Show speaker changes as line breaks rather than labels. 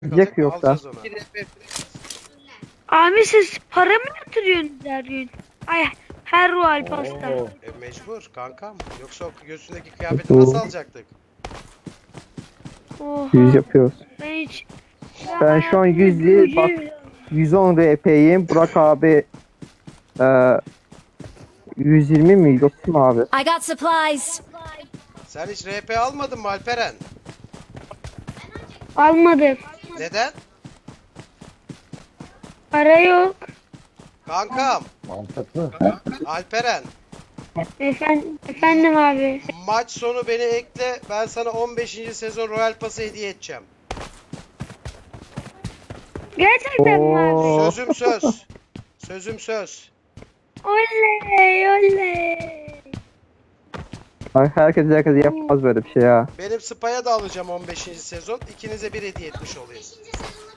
Yiyecek mi yoksa?
Alacağız onu.
Abi siz para mı yatırıyorsunuz her gün? Ay her Royal Pass'ta.
Mecbur kankam. Yoksa o göğsündeki kıyafeti nasıl alacaktık?
Oha.
100 yapıyoruz.
Ben hiç...
Ben şu an 100 değil, bak 110 RP'yim. Burak abi 120 mi? 30 mu abi?
I got supplies.
Sen hiç RP almadın mı Alperen?
Almadım.
Neden?
Para yok.
Kankam.
Mantıklı.
Alperen.
Efendim abi.
Maç sonu beni ekle. Ben sana 15. sezon Royal Pass'ı hediye edeceğim.
Gerçekten mi abi?
Oo.
Sözüm söz. Sözüm söz.
Oley oley.
Herkes yapmaz böyle bir şey ya.
Benim Spy'a da alacağım 15. sezon. İkinize bir hediye etmiş olayım.